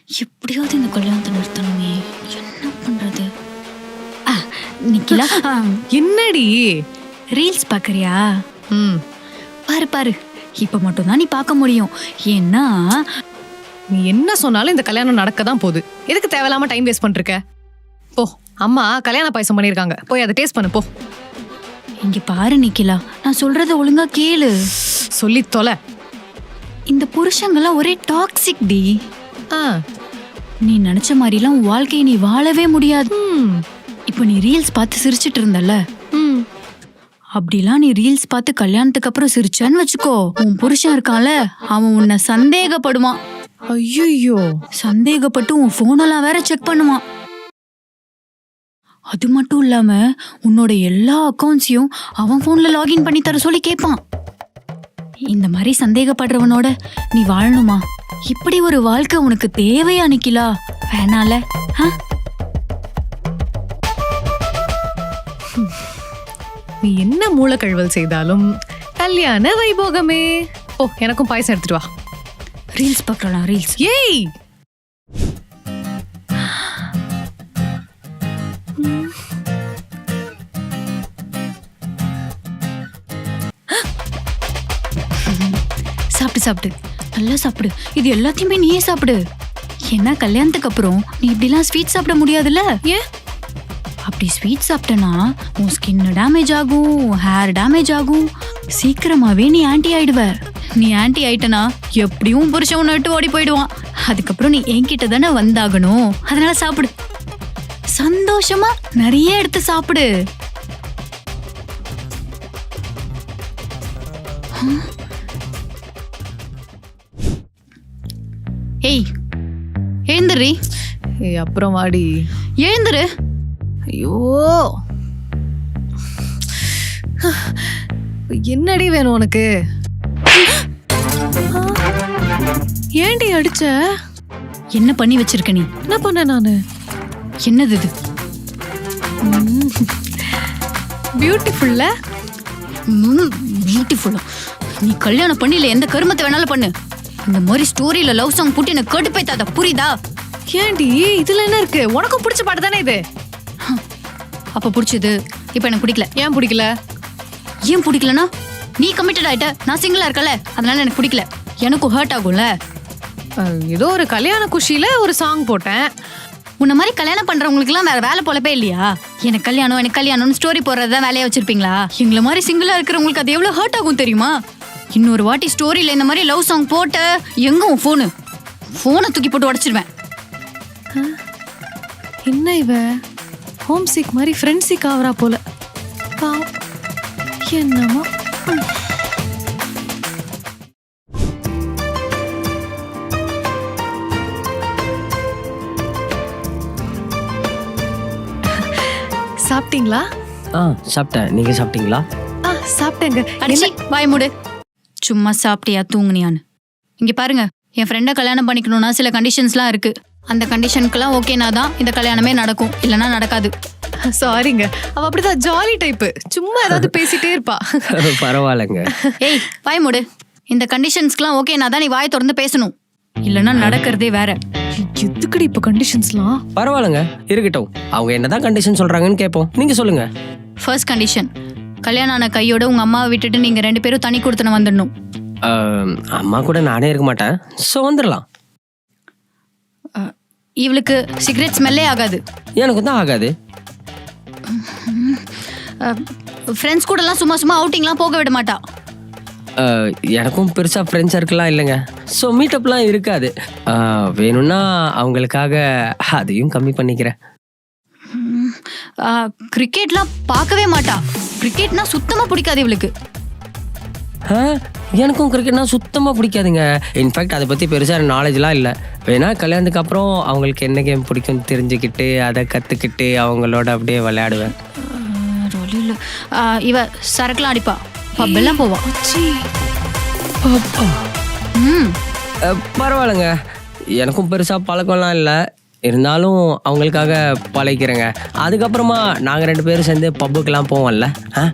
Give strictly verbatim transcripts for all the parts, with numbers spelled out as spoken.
எப்படியாவது இந்த கல்யாணத்தை நிறுத்தணுமே. என்ன பண்றது? ஆ, நிக்கிலா, என்னடி ரீல்ஸ் பாக்குறியா? ம் பாரு பாரு, இப்ப மட்டும் தான் நீ பார்க்க முடியும். ஏன்னா நீ என்ன சொன்னாலும் இந்த கல்யாணம் நடக்க தான் போகுது. எதுக்கு தேவையில்லாம டைம் வேஸ்ட் பண்ணிருக்க? போ, அம்மா கல்யாண பாயசம் பண்ணிருக்காங்க, போய் அதை டேஸ்ட் பண்ணு போ. இங்க பாரு நிக்கிலா, நான் சொல்றத ஒழுங்கா கேளு. சொல்லி தொலை. இந்த புருஷங்கெல்லாம் ஒரே டாக்ஸிக் டி. ஆ நீ நினைச்ச மாதிரிலாம் உன் வாழ்க்கையை நீ வாழவே முடியாது. ம் இப்போ நீ ரீல்ஸ் பார்த்து சிரிச்சிட்டு இருந்தல்ல, ம் அப்படிலாம் நீ ரீல்ஸ் பார்த்து கல்யாணத்துக்கு அப்புறம் சிரிச்சான்னு வச்சுக்கோ, உன் புருஷன் இருக்கான்ல, அவன் உன்னை சந்தேகப்படுவான். ஐயோ, சந்தேகப்பட்டு உன் போனெல்லாம் வேற செக் பண்ணுவான். அது மட்டும் இல்லாம உன்னோட எல்லா அக்கௌண்ட்ஸையும் அவன் போன்ல லாகின் பண்ணி தர சொல்லி கேட்பான். இந்த மாதிரி சந்தேகப்படுறவனோட நீ வாழணுமா? இப்படி ஒரு வாழ்க்கை உனக்கு தேவையா நிக்கிலா? வேணால. நீ என்ன மூலக்கழுவல் செய்தாலும் கல்யாண வைபோகமே. ஓ, எனக்கும் பாயசம் எடுத்துட்டு வா. ரீல்ஸ் பார்க்கலாம், ரீல்ஸ். ஏய், சாப்பிட்டு சாப்பிட்டு நல்லா சாப்பிடு. இது எல்லாத்தையுமே நீயே சாப்பிடு. ஏன்னா கல்யாணத்துக்கு அப்புறம் நீ இப்படிலாம் ஸ்வீட் சாப்பிட முடியாதுல்ல. ஏன்? அப்படி ஸ்வீட் சாப்பிட்டனா உன் ஸ்கின் டேமேஜ் ஆகும், ஹேர் டேமேஜ் ஆகும். சீக்கிரமாவே நீ ஆன்டி ஆயிடுவ. நீ ஆன்டி ஆயிட்டனா எப்படியும் புருஷன் உன்னை விட்டு ஓடி போயிடுவான். அதுக்கப்புறம் நீ என்கிட்ட தானே வந்தாகணும். அதனால சாப்பிடு, சந்தோஷமா நிறைய எடுத்து சாப்பிடு. ஏய், எழுந்துரு. ஏய், அப்புறம் வாடி. எழுந்துரு. ஐயோ, என்னடி வேணும் உனக்கு? ஏண்டி அடிச்ச? என்ன பண்ணி வச்சிருக்க நீ? என்ன பண்ண நானு? என்னது இது? பியூட்டிஃபுல்ல. பியூட்டிஃபுல்லா? நீ கல்யாணம் பண்ணி எந்த கருமத்தை வேணாலும் பண்ணு. இந்த மாதிரி ஸ்டோரியில லவ் சாங் போட்டு எனக்கு கேட்டு போய்த்தாத, புரியுதா? ஏண்டி, இதுல என்ன இருக்கு? உனக்கும் பிடிச்ச பாட்டு தானே இது. அப்ப பிடிச்சது இப்ப எனக்கு பிடிக்கல. ஏன் பிடிக்கல? ஏன் பிடிக்கலனா, நீ கமிட்டட் ஆயிட்ட, நான் சிங்கிளா இருக்கல, அதனால எனக்கு பிடிக்கல. எனக்கும் ஹர்ட் ஆகும்ல. ஏதோ ஒரு கல்யாண குஷியில ஒரு சாங் போட்டேன். உன்ன மாதிரி கல்யாணம் பண்றவங்களுக்கு எல்லாம் வேற வேலை போலப்பே இல்லையா? எனக்கு கல்யாணம் எனக்கு கல்யாணம்னு ஸ்டோரி போடுறதுதான் வேலையா வச்சிருப்பீங்களா? எங்களை மாதிரி சிங்கிளா இருக்கிறவங்களுக்கு அது எவ்வளவு ஹர்ட் ஆகும் தெரியுமா? இன்னொரு வாட்டி ஸ்டோரியில இந்த மாதிரி லவ் சாங் போட்ட எங்க உன் போனு? போனை தூக்கி போட்டு உடைச்சிருவேன். என்ன இவ ஹோம் சிக் மாதிரி ஃப்ரெண்ட் சிக் ஆவரா போல. என்னமோ. சாப்பிட்டீங்களா? ஆ சாப்பிட்டேன். நீங்க சாப்பிட்டீங்களா? ஆ சாப்பிட்டேங்க. அடிச்சி வாய் மூடு. சும்மா சாப்பிட்டியா தூங்குனியான்னு? இங்க பாருங்க, என் ஃப்ரெண்டை கல்யாணம் பண்ணிக்கணும்னா சில கண்டிஷன்ஸ்லாம் இருக்கு. அந்த கண்டிஷனுக்குலாம் ஓகேனா தான் இந்த கல்யாணமே நடக்கும், இல்லைன்னா நடக்காது. சாரிங்க, அவ அப்படிதான் ஜாலி டைப்பு, சும்மா ஏதாவது பேசிட்டே இருப்பா. பரவாயில்லைங்க. ஏய் வாய் மூடு. இந்த கண்டிஷன்ஸ்க்குலாம் ஓகேனா தான் நீ வாய் திறந்து பேசணும், இல்லைன்னா நடக்கிறதே வேற. எதுக்குடி இப்ப கண்டிஷன்ஸ்லாம்? பரவாயில்லைங்க, இருக்கட்டும். அவங்க என்னதான் கண்டிஷன் சொல்றாங்கன்னு கேட்போம். நீங்க சொல்லுங்க. ஃபர்ஸ்ட் கண்டிஷன், கல்யாணம் ஆன கையோட உங்க அம்மாவை விட்டுட்டு நீங்க ரெண்டு பேரும் தனி கொடுத்துன வந்துடணும். அம்மா கூட நானே இருக்க மாட்டேன், ஸோ வந்துடலாம். இவளுக்கு சிகரெட் ஸ்மெல்லே ஆகாது. எனக்கு தான் ஆகாது. ஃப்ரெண்ட்ஸ் கூடலாம் சும்மா சும்மா அவுட்டிங்லாம் போக விட மாட்டா. எனக்கும் பெருசா ஃப்ரெண்ட்ஸ் சர்க்கிள்லாம் இல்லைங்க, ஸோ மீட்டப்லாம் இருக்காது. வேணும்னா அவங்களுக்காக அதையும் கம்மி பண்ணிக்கிறேன். கிரிக்கெட்லாம் பார்க்கவே மாட்டா. கிரிக்கெட்னா சுத்தமா பிடிக்காது இவளுக்கு. எனக்கும் கிரிக்கெட்னா சுத்தமாக பிடிக்காதுங்க. இன்ஃபேக்ட் அதை பற்றி பெருசாக நாலேஜ்லாம் இல்லை. வேணா கல்யாணத்துக்கு அப்புறம் அவங்களுக்கு என்ன கேம் பிடிக்கும்னு தெரிஞ்சுக்கிட்டு அதை கற்றுக்கிட்டு அவங்களோட அப்படியே விளையாடுவேன். இவ சரக்குலாம் அடிப்பா, பப்பெல்லாம் போவா. ம் பரவாயில்லைங்க, எனக்கும் பெருசாக பழக்கம்லாம் இல்லை. இருந்தாலும் அவங்களுக்காக பழகிறேங்க. அதுக்கப்புறமா நாங்கள் ரெண்டு பேரும் சேர்ந்து பப்புக்கெல்லாம் போவோம்ல.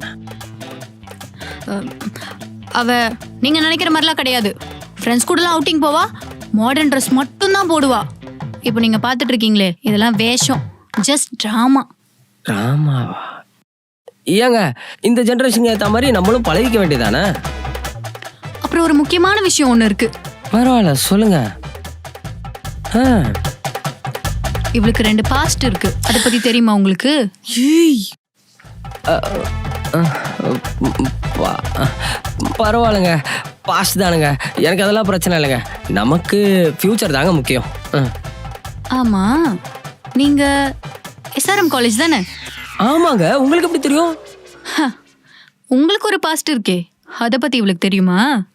அவ நீங்க நினைக்கிற மாதிரிலாம் கிடையாது. ஃப்ரெண்ட்ஸ் கூடலாம் அவுட்டிங் போவா, மாடர்ன் ட்ரெஸ் மட்டும் தான் போடுவா. இப்போ நீங்க பார்த்துட்டு இருக்கீங்களே இதெல்லாம் வேஷம், ஜஸ்ட் டிராமா. ராமாவா? ஏங்க இந்த ஜென்ரேஷன் ஏற்ற மாதிரி நம்மளும் பழகிக்க வேண்டியதானே? அப்புறம் ஒரு முக்கியமான விஷயம் ஒன்று இருக்கு. பரவாயில்ல சொல்லுங்க. ஆ. இவளுக்கு ரெண்டு பாஸ்ட் இருக்கு, அதை பத்தி தெரியுமா உங்களுக்கு? அ, அ, ப- பரவாயில்லைங்க, பாஸ்ட் தானுங்க. எனக்கு அதெல்லாம் பிரச்சனை இல்லைங்க. நமக்கு ஃபியூச்சர் தாங்க முக்கியம். ஆ. ஆமா, நீங்க எஸ்ஆர்எம் காலேஜ் தானே? ஆமாங்க, உங்களுக்கு எப்படி தெரியும்? உங்களுக்கு ஒரு பாஸ்ட் இருக்கே, அதை பத்தி இவளுக்கு தெரியுமா?